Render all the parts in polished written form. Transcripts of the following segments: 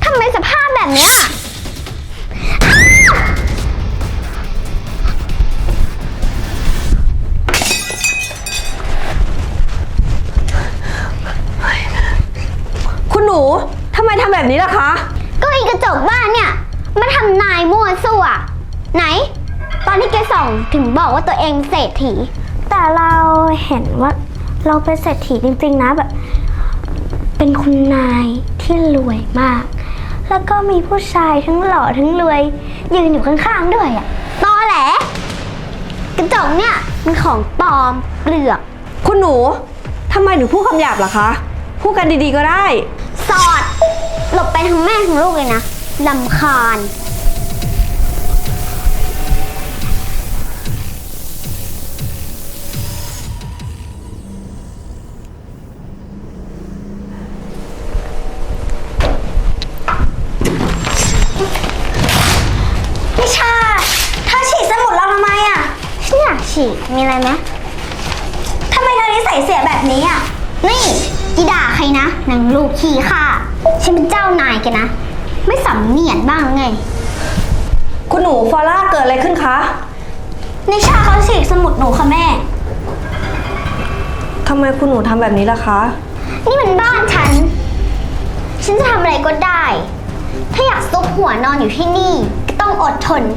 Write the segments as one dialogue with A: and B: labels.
A: ทำไมสภาพแบบเนี้ย
B: คุณหนูทำไมทำแบบนี้ล่ะคะ
A: ก็อีกระจกบ้านเนี่ยมาทำนายมั่วซั่วไหน ตอนที่แกส่องถึงบอกว่าตัวเองเศรษฐีแต่เราเห็นว่าเราเป็นเศรษฐีจริงๆนะแบบเป็นคุณนายที่รวยมาก แล้วก็มีผู้ชายทั้งหล่อทั้งรวยยืนอยู่ข้างๆด้วยอะตอแหลกระจกเนี่ยมันของปลอมเปลือก
B: คุณหนูทำไมหนูพูดคำหยาบล่ะคะพูดกันดีๆก็ได้
A: สอดหลบไปทั้งแม่ทั้งลูกเลยนะรำคาญนิชาเธอฉีกสมุดเราทำไมอ่ะฉันอยากฉีกมีอะไรไหมทำไมเธอนิสัยเสียแบบนี้อ่ะนี่อีด่าใครนะนางลูกขี้ข้าฉันเป็นเจ้านายแกนะไม่สำเนียกบ้างไง
B: คุณหนูฟอร่าเกิดอะไรขึ้นคะ
A: นิชาเขาฉีกสมุดหนูค่ะแม่
B: ทำไมคุณหนูทำแบบนี้ล่ะคะ
A: นี่มันบ้านฉันจะทำอะไรก็ได้ ถ้าอยากซุกหัวนอนอยู่ที่นี่ก็ต้องอดทน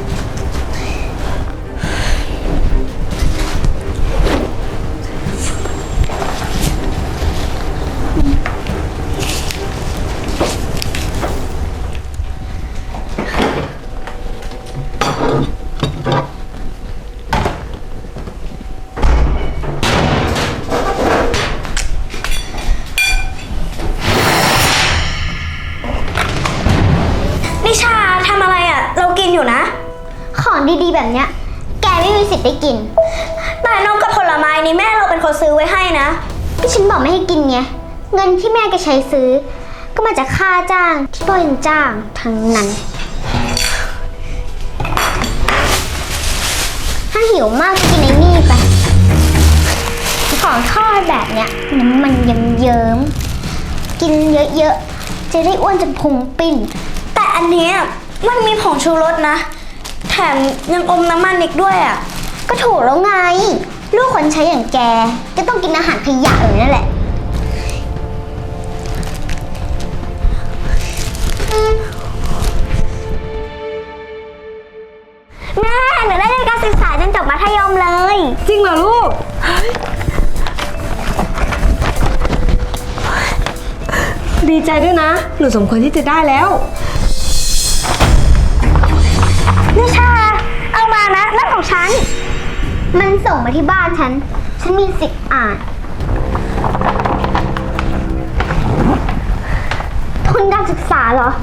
A: นิชาทำอะไรอ่ะเรากินอยู่นะของดีๆแบบเนี้ยแกไม่มีสิทธิ์ได้กินแต่นมกับผลไม้นี่แม่เราเป็นคนซื้อไว้ให้นะที่ฉันบอกไม่ให้กินไงเงินที่แม่แกใช้ซื้อก็มาจากค่าจ้างที่พ่อยังจ้างทั้งนั้นถ้าหิวมากก็กินไอ้นี่ไปของทอดแบบเนี้ยน้ำมันเยิ้มๆกินเยอะๆจะได้อ้วนจนพุงปิ้นแต่อันนี้มันมีผงชูรสนะแถมยังอมน้ำมันอีกด้วยอ่ะก็ถูกแล้วไงลูกคนใช้อย่างแกจะต้องกินอาหารขยะอย่างนั้นแหละแม่หนูได้เรียนการศึกษาจนจบมัธยมเลย
B: จริงเหรอลูกดีใจด้วยนะหนูสมควรที่จะได้แล้ว
A: นิชาเอามานะนั่นของฉันมันส่งมาที่บ้านฉันมีสิทธิ์อ่านทุนการศึกษาเหรอ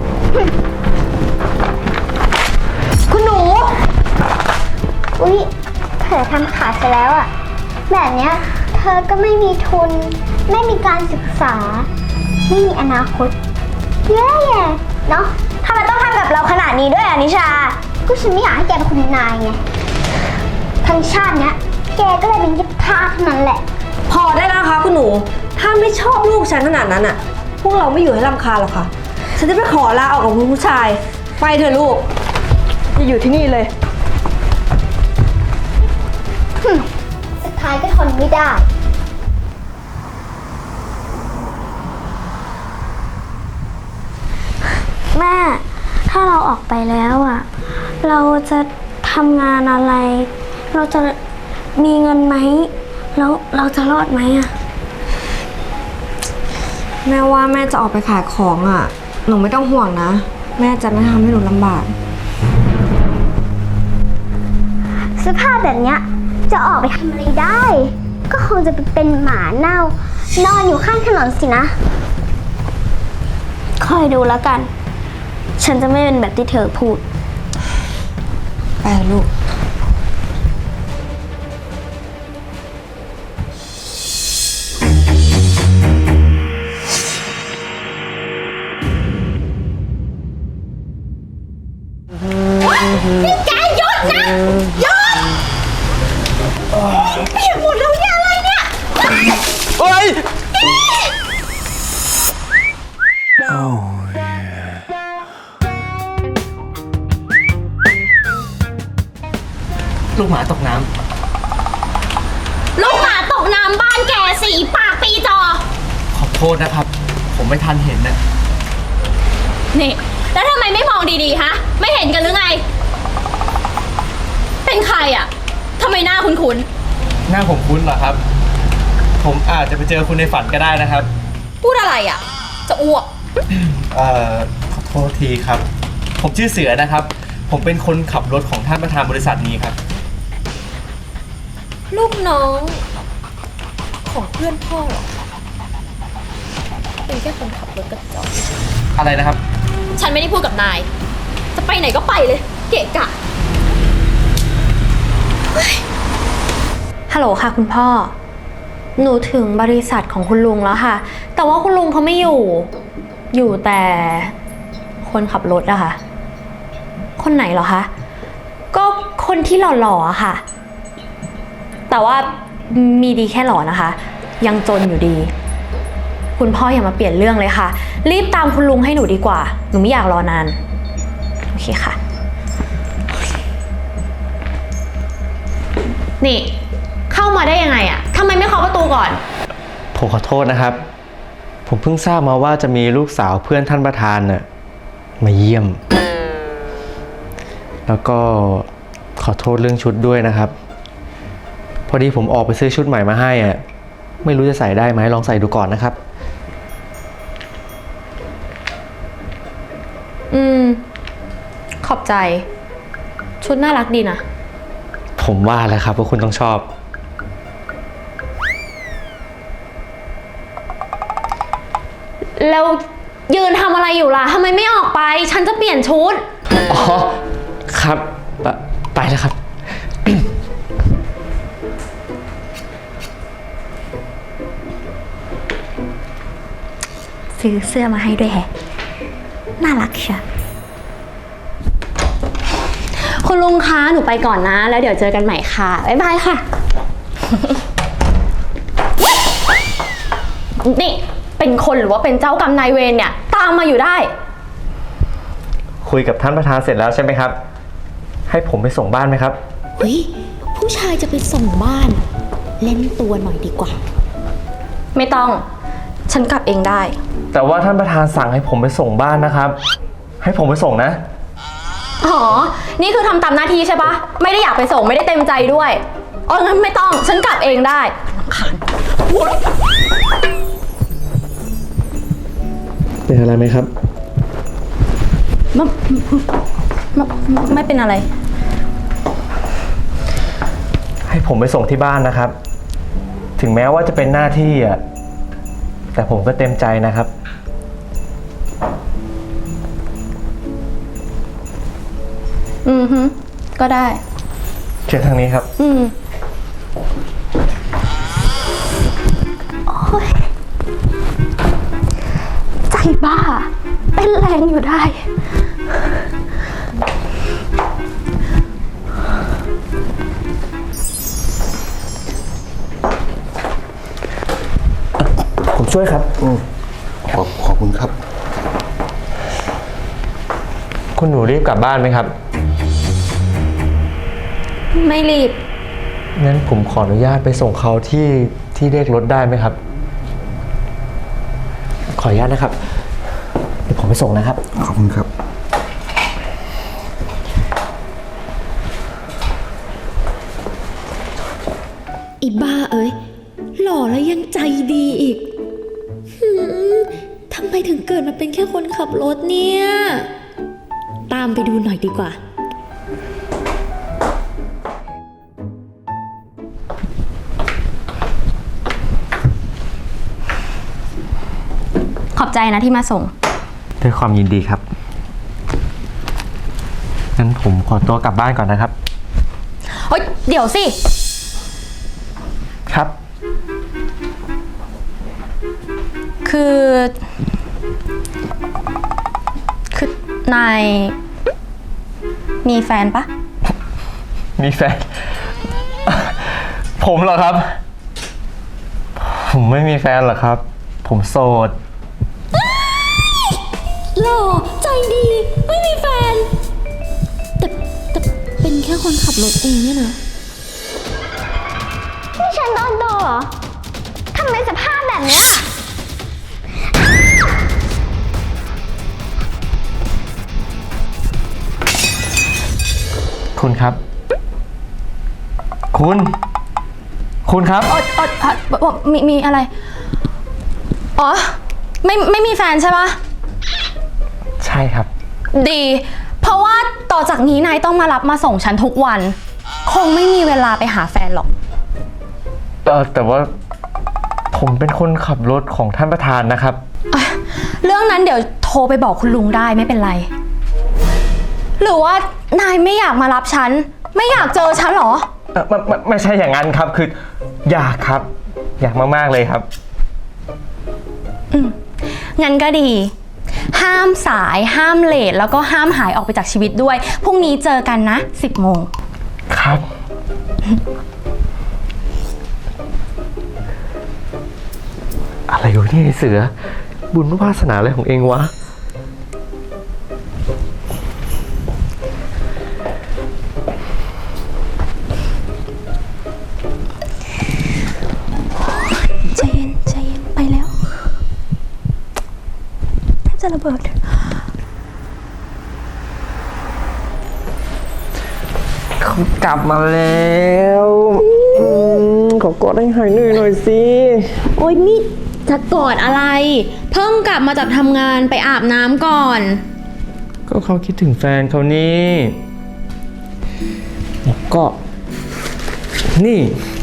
B: คุณหนู
A: อุ๊ยเธอทำขาดไปแล้วอะแบบเนี้ยเธอก็ไม่มีทุนไม่มีการศึกษาไม่มีอนาคตแย่ๆเนาะทำไมต้องทำกับเราขนาดนี้ด้วยอะนิชาก็ฉันไม่อยากให้แกเป็นคุณนายไงทั้งชาติเนี้ยแกก็เลยเป็นยิบท่าเท่านั้นแหละ
B: พอได้แล้วนะคะคุณหนูถ้าไม่ชอบลูกฉันขนาดนั้นอ่ะพวกเราไม่อยู่ให้รำคาญหรอกค่ะฉันจะไปขอลาออกกับคุณผู้ชายไปเถอะลูกจะอยู่ที่นี่เลย
A: สุดท้ายก็ทนไม่ได้แม่ถ้าเราออกไปแล้วอ่ะเราจะทำงานอะไรเราจะมีเงินไหมแล้วเราจะรอดไหมอ่ะ
B: แม่ว่าแม่จะออกไปขายของอ่ะหนูไม่ต้องห่วงนะแม่จะไม่ทำให้หนูลำบาก
A: สภาพแบบเนี้ยจะออกไปทำอะไรได้ก็คงจะไปเป็นหมาเน่านอนอยู่ข้างถนนสินะคอยดูแล้วกันฉันจะไม่เป็นแบบที่เธอพูด
B: ไปลูก
A: นี่แกหยุดนะหยุดเปียกหมดแล้วเนี่ยอะไรเนี่ย
C: เฮ้ยลูกหมาตกน้ำ
D: ลูกหมาตกน้ำบ้านแกสีปากปีจอ
C: ขอโทษนะครับ ผมไม่ทันเห็นนะ
D: นี่ แล้วทำไมไม่มองดีๆ ฮะ ไม่เห็นกันหรือไง เป็นใครอะทำไมหน้าคุ้น
C: หน้าผมคุ้นเหรอครับ ผมอาจจะไปเจอคุณในฝันก็ได้นะครับ
D: ๆ พูดอะไรอะจะอ้วก
C: ขอโทษทีครับ ผมชื่อเสือนะครับ ผมเป็นคนขับรถของท่านประธานบริษัทนี้ครับ
D: ลูกน้องของเพื่อนพ่อเหรอ เป็นแค่คนขับรถกระจอก
C: อะไรนะครับ
D: ฉันไม่ได้พูดกับนาย จะไปไหนก็ไปเลย เกะกะ
E: ฮัลโหลค่ะคุณพ่อ หนูถึงบริษัทของคุณลุงแล้วค่ะ แต่ว่าคุณลุงเขาไม่อยู่ อยู่แต่คนขับรถอะค่ะ คนไหนเหรอคะ ก็คนที่หล่อๆอะค่ะ แต่ว่ามีดีแค่หล่อนะคะ ยังจนอยู่ดี คุณพ่ออย่ามาเปลี่ยนเรื่องเลยค่ะ รีบตามคุณลุงให้หนูดีกว่า หนูไม่อยากรอนาน โอเคค่ะ นี่ เข้ามาได้ยังไงอะทำไมไม่เคาะประตูก่อน
C: ผมขอโทษนะครับ ผมเพิ่งทราบมาว่าจะมีลูกสาวเพื่อนท่านประธานน่ะมาเยี่ยม แล้วก็ขอโทษเรื่องชุดด้วยนะครับ พอดีผมออกไปซื้อชุดใหม่มาให้อ่ะ ไม่รู้จะใส่ได้ไหมลองใส่ดูก่อนนะครับ
E: ขอบใจ ชุดน่ารักดีนะ
C: ผมว่าแล้วครับว่าคุณต้องชอบ
E: แล้วยืนทำอะไรอยู่ล่ะทำไมไม่ออกไป ฉันจะเปลี่ยนชุด
C: อ๋อ ครับ ไปแล้วครับ
A: ซื้อเสื้อมาให้ด้วยแฮะ น่ารักเชียว
E: คุณลุงคะ หนูไปก่อนนะ แล้วเดี๋ยวเจอกันใหม่ค่ะ บ๊ายบายค่ะ นี่ เป็นคนหรือว่าเป็นเจ้ากรรมนายเวรเนี่ย ตามมาอยู่ได้
C: คุยกับท่านประธานเสร็จแล้วใช่ไหมครับ ให้ผมไปส่งบ้านไหมครับ
D: เฮ้ย ผู้ชายจะไปส่งบ้าน เล่นตัวหน่อยดีกว่า
E: ไม่ต้อง ฉันกลับเองได้
C: แต่ว่าท่านประธานสั่งให้ผมไปส่งบ้านนะครับ ให้ผมไปส่งนะ
E: อ๋อ นี่คือทำตามหน้าที่ใช่ปะ ไม่ได้อยากไปส่งไม่ได้เต็มใจด้วยอ๋องั้นไม่ต้อง ฉันกลับเองได้รำคาญ
C: เป็นอะไรไหมครับ
E: ไม่เป็นอะไร
C: ให้ผมไปส่งที่บ้านนะครับ ถึงแม้ว่าจะเป็นหน้าที่อ่ะ แต่ผมก็เต็มใจนะครับ
E: ก็ได้
C: เชิญทางนี้ครับ
A: ใจบ้า เต้นแรงอยู่ได้
C: ผมช่วยครับ
F: ขอบคุณครับ
C: คุณหนูรีบกลับบ้านไหมครับ
E: ไม่รีบ
C: งั้นผมขออนุญาตไปส่งเขาที่เรียกรถได้ไหมครับ ขออนุญาตนะครับ เดี๋ยวผมไปส่งนะครับ
F: ขอบคุณครับ
D: อีบ้าเอ้ย หล่อแล้วยังใจดีอีกทำไมถึงเกิดมาเป็นแค่คนขับรถเนี่ย ตามไปดูหน่อยดีกว่า
E: ขอบใจนะที่มาส่ง
C: ด้วยความยินดีครับ งั้นผมขอตัวกลับบ้านก่อนนะครับ
E: เฮ้ย เดี๋ยวสิ
C: ครับ
E: คือ นาย มีแฟนปะ
C: มีแฟน ผมเหรอครับ ผมไม่มีแฟนหรอกครับ ผมโสด
D: หล่อใจดี ไม่มีแฟน แต่เป็นแค่คนขับรถเองเนี่ยนะ
A: นี่ฉันโดนโดเหรอทำไมสภาพแบบเนี้ย
C: คุณครับ คุณครับ
E: มีอะไร อ๋อ ไม่มีแฟนใช่ปะ
C: ใช่ครับ
E: ดี เพราะว่าต่อจากนี้นายต้องมารับมาส่งฉันทุกวัน คงไม่มีเวลาไปหาแฟนหรอก
C: แต่ว่าผมเป็นคนขับรถของท่านประธานนะครับ
E: เรื่องนั้นเดี๋ยวโทรไปบอกคุณลุงได้ไม่เป็นไร หรือว่านายไม่อยากมารับฉัน ไม่อยากเจอฉันเหรอ
C: ไม่ใช่อย่างนั้นครับ คืออยากครับ อยากมากๆเลยครับ
E: งั้นก็ดี ห้ามสาย ห้ามเลท แล้วก็ห้ามหายออกไปจากชีวิตด้วย พรุ่งนี้เจอกันนะ 10 โมง
C: ครับ อะไรอยู่เนี่ยไอ้เสือ บุญวาสนาอะไรของเองวะ
E: ใจเย็น ใจเย็น ไปแล้วแทบจะระเบิด
C: เขากลับมาแล้วขอกอดให้หายเหนื่อยหน่อยสิ
E: โอ๊ยนี่จะกอดอะไร เพิ่งกลับมาจากทำงานไปอาบน้ำก่อน
C: ก็เขาคิดถึงแฟนเขานี่แล้วก็ นี่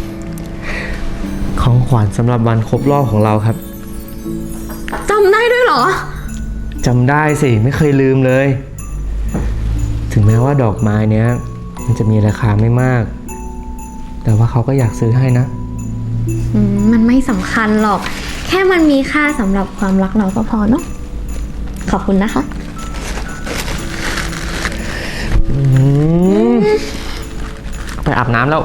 C: ของขวัญสำหรับวันครบรอบของเราครับ
E: จำได้ด้วยเหรอ
C: จำได้สิ ไม่เคยลืมเลย ถึงแม้ว่าดอกไม้เนี้ย มันจะมีราคาไม่มาก แต่ว่าเขาก็อยากซื้อให้นะ
E: มันไม่สำคัญหรอก แค่มันมีค่าสำหรับความรักเราก็พอเนาะ ขอบคุณนะคะ
C: ไปอาบน้ำแล้ว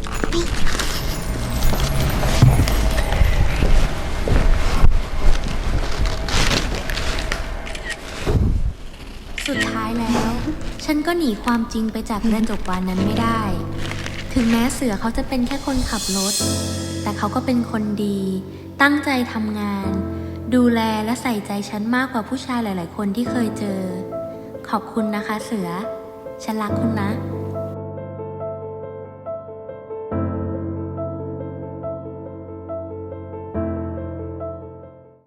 G: สุดท้ายแล้ว ฉันก็หนีความจริงไปจากกระจกบานนั้นไม่ได้ ถึงแม้เสือเขาจะเป็นแค่คนขับรถ แต่เขาก็เป็นคนดี ตั้งใจทำงาน ดูแลและใส่ใจฉันมากกว่าผู้ชายหลาย ๆ คนที่เคยเจอ ขอบคุณนะคะเสือ ฉันรักคุณนะ